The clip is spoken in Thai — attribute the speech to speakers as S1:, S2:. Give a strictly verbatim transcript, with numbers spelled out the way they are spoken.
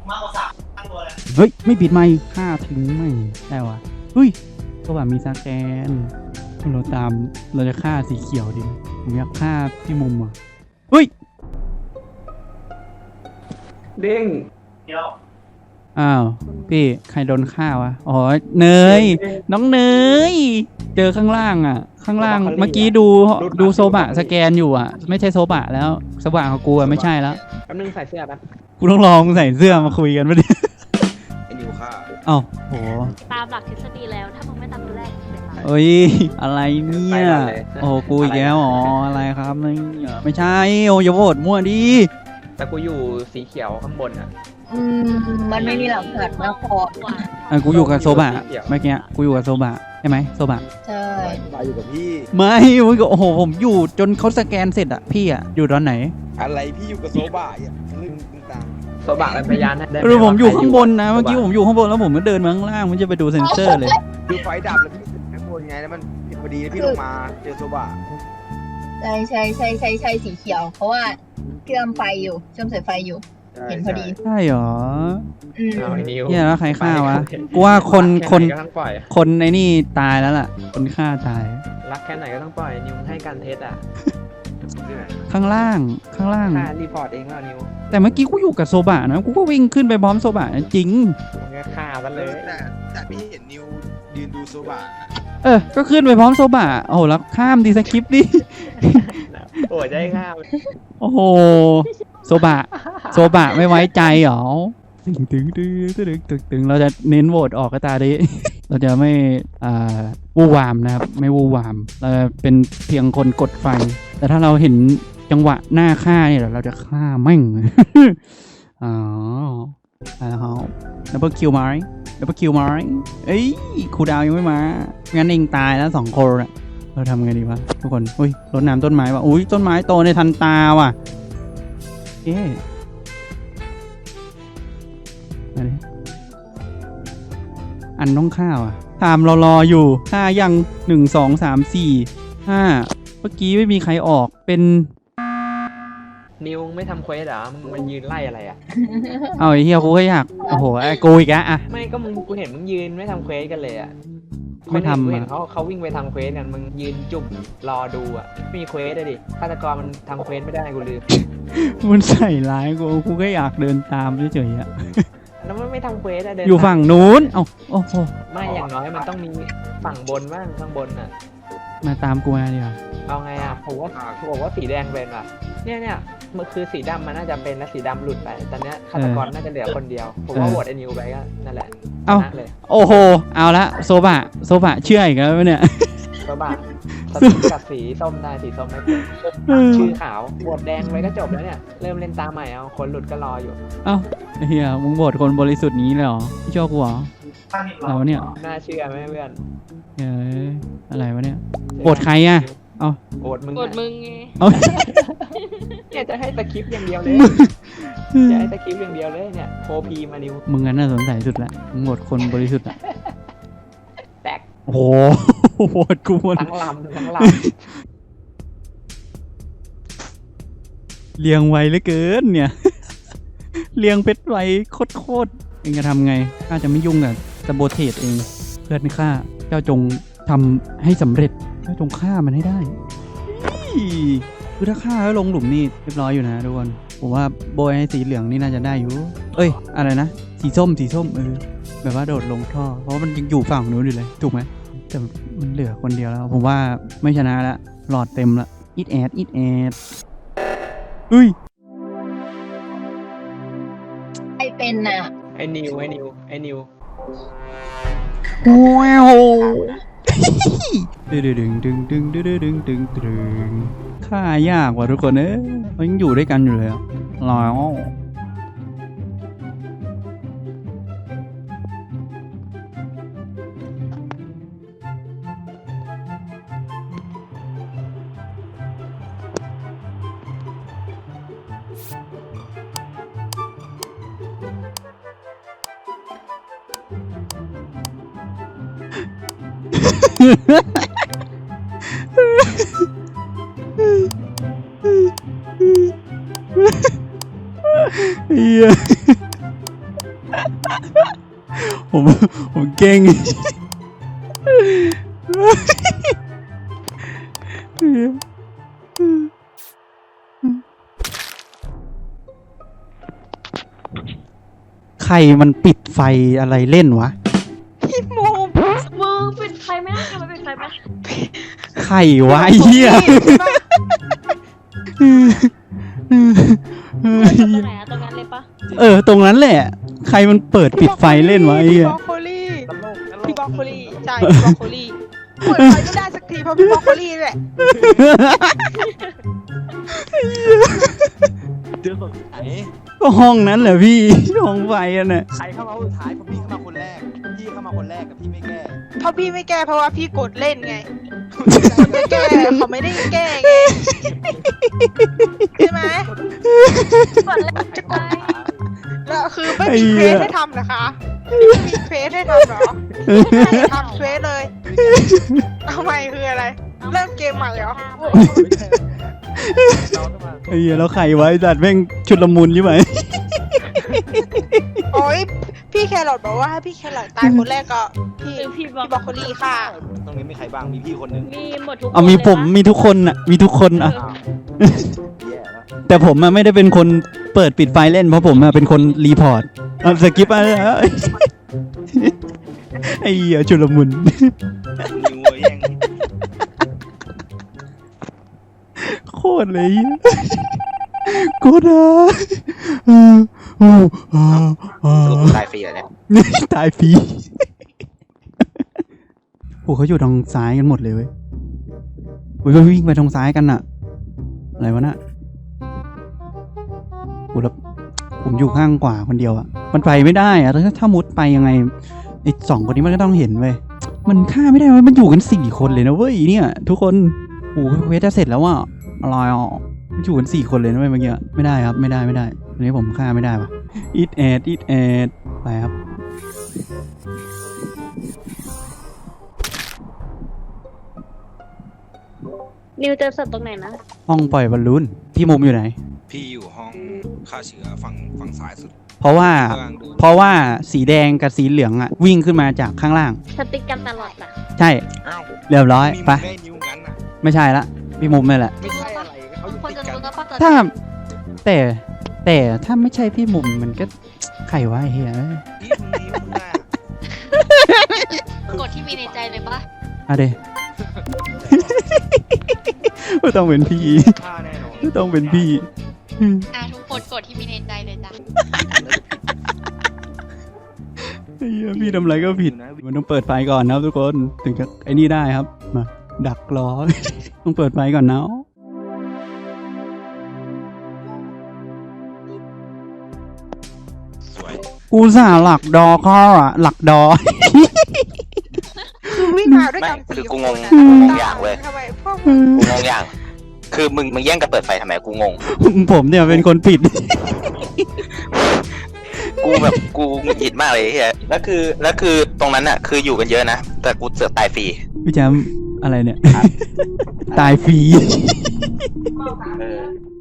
S1: มากกว่าสามตั้งตัวเลย
S2: เฮ้ยไม่ปิดไมค์ฆ่าทิ้งไม่ได้วะเฮ้ยก็แบบมีสแกนเราตามเราจะฆ่าสีเขียวดิผมอยากฆ่าพี่มุมอ่ะเฮ้ย
S3: เด้ง
S1: เดี๋ยว
S2: อ้าวพี่ใครโดนฆ่าวะอ๋อเนยน้องเนยเจอข้างล่างอ่ะข้างล่างเมื่อกี้ดูดูโซบะสแกนอยู่อ่ะไม่ใช่โซบะแล้วโซบะของกูอ่ะไม่ใช่แล้ว
S3: แป๊บนึงใส่เสื้อแป๊บ
S2: กูต้องลองใส่เสื้อมาคุยกันปะเนี่ย
S4: ไอ้นิวฆ่า
S2: เอ้าโห
S5: ตามหลักทฤษฎีแล้วถ้ามึงไม่ตามตัวแรกมึงเป็นไร
S2: เอ้ยอะไรเนี่ยโอ้กูอีกแล้วอ๋ออะไรครับเนี่ยไม่ใช่โอ้ยอย่าโหวตมั่วดิ
S3: แต่กูอยู่สีเขียวข้างบนอ่ะ
S6: อืมมันไม่มีหลักฐานนะพอ
S2: อ่ะกูอยู่กับโซบะเมื่อกี้กูอยู่กับโซบะใช่ไหมโซบะ
S6: ใช่
S4: มาอยู่กับพี่
S2: ไม่มึงก็โอ้โหผมอยู่จนเขาสแกนเสร็จอะพี่อะอยู่ตอนไหน
S4: อะไรพี่อยู่กับโซบะอ่ะลึกตึงตัง
S3: โซบะเป็นพยานได้ไห
S2: เออผมอยู่ข้างบนนะเมื่อกี้ผมอยู่ข้างบนแล้วผมก็เดินมาข้างล่างมันจะไปดูเซ็นเซอร์เลย
S4: คือไฟดับแล้วพี่ข้างบนไงแล้วมันพอดีพี่ลงมาเจอโซบะ
S6: ใช่ใช่ใช่ใช่ใช่สีเขียว เพราะว่าเชื่อมไฟอยู่เชื่อมสายไฟอยู่ เห็นพอดี
S2: ใช่หรอ
S6: อืม
S3: เอาไอ้นิว
S2: เนี่ยแล้วใครฆ่าวะกูว่าคน
S3: รัก
S2: คน
S3: แไหก็ต้องปล่อย
S2: คนในนี่ตายแล้วล่ะ คนฆ่าตาย
S3: รักแค่ไหนก็ต้องปล่อยนิวให้การเทสอ่ะ
S2: ข้างล่างข้างล่าง
S3: ค่ารีพอร์ตเองแล้วนิว
S2: แต่เมื่อกี้กูอยู่กับโซบะนะกูก็วิ่งขึ้นไปพร้อมโซบะจริง
S3: มึงก็ฆ่ามันเลย
S4: แต่แต่พี่เห็นนิวยืนดูโซบะ
S2: เออก็ขึ้นไปพร้อมโซบะโอ้โหแล้วข้ามดีสคริปต์ดิ
S3: โอ้ยจะให้ฆ่า
S2: โอ้โหโซบะโซบะไม่ไว้ใจหรอตึงตึงตึงตึงตึงตึงเราจะเน้นโหวตออกก็ตาดิ เราจะไม่อ่าวู่วามนะครับไม่วู่วามเราจะเป็นเพียงคนกดไฟ แต่ถ้าเราเห็นจังหวะหน้าฆ่าเนี่ยเราจะฆ่าแม่ง อ๋อแล้วดับเบิลคิวมาร์ดับเบิลคิวมาร์เอ้ยครูดาวยังไม่มางั้นเองตายแล้วสองคนอะเราทำไงดีวะทุกคนอุ้ยรดน้ำต้นไม้ว่ะอุ้ยต้นไม้โตในทันตาว่ะเอ๊ะอะไรอันต้องฆ่าว่ะตามเรารออยู่ฆ่ายังหนึ่งสองสามสี่ห้าเมื่อกี้ไม่มีใครออกเป็น
S3: นิวไม่ทำเควสเหรอมึงมันยืนไล่อะไรอ่ะ
S2: เอาไอ้เฮียกูก็อยากโอ้โหไอ้กูอีกแล้วอะ
S3: ไม่ก็มึงกูเห็นมึงยืนไม่ทำเควสกันเลยอ่ะ
S2: ไม่ทำ
S3: คนอื่นกูเห็น
S2: อะ
S3: เขาเขาวิ่งไปทำเควสกันมึงยืนจุ่มรอดูอ่ะไม่มีเควสเลยดิฆาตกรมันทำเควสไม่ได้กูลืม
S2: มันใส่ร้ายกูกูก็อยากเดินตามเฉยๆอะ
S3: แล้วมันไม่ทำเควสอะเดิน
S2: อยู่ฝั่งนู้นเอ้าโอ้โห
S3: ไม่อย่างน้อยมันต้องมีฝั่งบนบ้างข้างบนอ่ะ
S2: มาตามกูมาดีกว่า
S3: เอาไงอ่ะผมว่าผมบอกว่าสีแดงเป็นอ่ะเนี่ยเนี่ยมันคือสีดำมันน่าจะเป็นแล้วสีดำหลุดไปตอนเนี้ยฆาตกรน่าจะเหลือคนเดียวผมว่าโหวตไอ้นิวไปก็นั่นแหละ
S2: เอ้า
S3: ชนะเลย
S2: โอ้โหเอาละโซบะโซบะเชื่ออีกแล้วเนี่ย
S3: ก็บ้าสติกับสีส้มได้สีส้มไม่เป็นชื่อขาวโหวตแดงไปก็จบแล้วเนี่ยเริ่มเล่นตาใหม่เอาคนหลุดก็รออยู่
S2: เอ้าไอ้เฮียมึงโหวตคนบริสุทธิ์นี้เลยเหรอไม่ชอบกูเหรอ
S1: ตั้งอีกร
S2: อะไร
S1: อบ
S2: วะเนี่ย
S3: น่าเชื่อไหมเพื่อน
S2: เฮ้ยอะไรวะเนี่ยโหวตใครอะเอ้า
S3: โหวตมึง
S5: กดมึงไง
S2: เอ้า
S3: เนี่ยจะให้สคริปต์อย่างเดียวเลยจะให้สคริปต์อย่างเดียวเลยเนี่ยโคพีมานิว
S2: มึงงั้นน่าสนใจสุดละมึงโหวตคนบริสุทธิ์อะ
S3: แตก
S2: โอ้โหโหวตกูหมด
S3: ทั้งลำทั้งล
S2: เลี้ยงไวเหลือเกินเนี่ย เลี้ยงเพชรไวโคตรๆเองจะทำไงข้าจะไม่ยุ่งกับสโบเทสเองเพื่อนข้าเจ้าจงทำให้สำเร็จเจ้าจงฆ่ามันให้ได้คือถ้าฆ่าแล้วลงหลุมนี่เรียบร้อยอยู่นะทุกคนผมว่าโบยให้สีเหลืองนี่น่าจะได้อยู่เอ้ยอะไรนะสีส้มสีส้มเออแบบว่าโดดลงท่อเพราะว่ามันยังอยู่ฝั่งนู้นอยู่เลยถูกไหมแต่มันเหลือคนเดียวแล้วผมว่าไม่ชนะละหลอดเต็มละอิดแอดอิดแอดเฮ้ย
S6: ไอเป็นน่ะ
S3: ำไอ้นิวไอ้นิวไอ้นิว
S2: ว้าวดึงดึงดึงดึงดึงดึงดึงดึงฆ่ายากว่ะทุกคนเอ้ยมันยังอยู่ด้วยกันอยู่เลยอ่ะแล้วเฮียก่งใครมันปิดไฟอะไรเล่นวะ
S5: พี่มูมือเป็นใครไหมทำไมเป็นใครไหม
S2: ใครวะไอ้เหี้ย
S5: ตรงไหนอะตรงนั้นเลยปะ
S2: เออตรงนั้นแหละ ใครมันเปิดปิดไฟเล่นวะไอ้
S1: พี่
S2: เหี้ย
S1: บรอกโคลี่
S4: ตลกตล
S1: พี่
S4: ก
S1: บรอกโคลี่ใช่พี่บรอกโคลี่เปิดไฟไม่ได้สักทีเพราะพี่บรอกโคลี่แหละ
S4: เจอคนไหน
S2: ก็ห้องนั้นแหละพี่ ห้องไฟอ่ะน่ะ
S4: ใครเข้ามาคนสุดท้ายเพราะพี่เข้ามาคนแรกพี่เข้ามาคนแรกกับพี่ไม่แก้
S1: เพราะพี่ไม่แก้เพราะว่าพี่กดเล่นไงคนไม่แก้เขาไม่ได้แก้ไงใช่ไหม
S5: กดเลยจะกด
S1: แล้วคือไม่มีเควสให้ทำเหรอคะไม่มีเควสให้ทำเหรอไม่ทำเควสเลยเอาใหม่คืออะไร เริ่มเกมใหม่เหรอ
S4: เราเข้ามา
S2: ไอ้เหี้ยแล้วใครวะไอ้สัตว์แม่งชุดละมุนใช่ไหม
S1: โอ้ยพี่แครอทบอกว่าให้พี่แครอทตายคนแรกก็พี่
S5: คือพี่บ
S1: พี่บรอกโคลี่ค่ะ
S4: ตรงนี้มีใครบ้างมีพี่คนหนึ่ง
S5: มีหมดทุกคน
S2: เอามีผม
S5: เลย
S2: มีทุกคนอ่ะ มีทุกคนอ่ะ
S4: อ้าวแย่แล้ว
S2: แต่ผมอะไม่ได้เป็นคนเปิดปิดไฟเล่นเพราะผมอะเป็นคนรีพอร์ตเอาสกิปอะไรนะไอ้เหี้ยชุลมุน
S4: นิวแย่ง
S2: โคตรเลยกูนะเออโอ้เออเอ
S4: สรุป
S2: อ
S4: ตายฟรีเหรอเนี่ย
S2: ตายฟรีโอ้เขาอยู่ทางซ้ายกันหมดเลยเว้ยโอ้ยวิ่งไปทางซ้ายกันอะอะไรวะน่ะโอ้แล้วผมอยู่ข้างขวาคนเดียวอะมันไปไม่ได้อะถ้าถ้ามุดไปยังไงไอ้สองคนนี้มันก็ต้องเห็นเว้ยมันฆ่าไม่ได้เว้ยมันอยู่กันสี่คนเลยนะเว้ยเนี่ย ทุกคนโอ้โหเควสจะเสร็จแล้วอะอะไรอ่ะมันอยู่กันสี่คนเลยนะเว้ยเมื่อกี้ไม่ได้ครับไม่ได้ไม่ได้อันนี้ผมฆ่าไม่ได้ปะอีทแอดอีทแอดไปครับ
S5: นิวเจอสัตว์ตรงไหนนะ
S2: ห้องปล่อยบอลลูนพี่มุมอยู่ไหน
S7: พี่อยู่ห้องฆ่าเชื้อฝั่งฝั่งซ้ายสุด
S2: เพราะว่า
S7: กำลังดู
S2: เพราะว่าสีแดงกับสีเหลืองอะวิ่งขึ้นมาจากข้างล่าง
S5: สติ๊กกันตลอดอะ
S2: ใช่
S7: อ้าว
S2: เรียบร้อย
S7: มี
S2: ไป
S7: มึงได้นิ้วงั้นน่ะ
S2: ไม่ใช่ละพี่มุมนี่แหละ
S4: ไม่ใช่อะไรเขาอยู่
S5: คน
S4: ติด
S5: จะ
S4: กัน
S5: รู้นะป้า
S2: ถ้าแต่แต่ถ้าไม่ใช่พี่มุมมันก็ใครวะไอ้เฮีย
S7: พี่มึงนิ้วน่ะ
S5: กดที่มีในใจเลยปะ
S2: อะเด ไม่ต้องเป็นพี่
S4: ฆ่าแน่นอน
S2: ไม่ต้องเป็นพี่
S5: อ่ะทุกคนกดที่มีในใจเลยจ้ะ
S2: ไอ้เหี้ยพี่ทำอะไรก็ผิด มันต้องเปิดไฟก่อนนะครับทุกคนถึงจะไอ้นี่ได้ครับมาดักรอ ต้องเปิดไฟก่อนนะ
S7: สวย
S2: กูสาหลักดอข้ออะหลักดอ
S1: คือวิ่งมาด้วยกัน
S8: ไม่คือ
S1: สี่
S8: กู
S1: ค
S8: ง
S1: น
S8: ง
S1: นะ
S8: กูงงอย่างเว้ย
S1: ทำไมพวก
S8: กูงงอย่าง คือมึงมึงแย่งกันเปิดไฟทำไมกูงง
S2: ผมเนี่ยเป็นคนผิด
S8: กูแบบกูหงุดหงิดมากเลยเฮียแล้วคือแล้วคือตรงนั้นอ่ะคืออยู่กันเยอะนะ แต่กูเสือกตายฟรี
S2: พี่แจมอะไรเนี่ย ตายฟรี
S8: เออ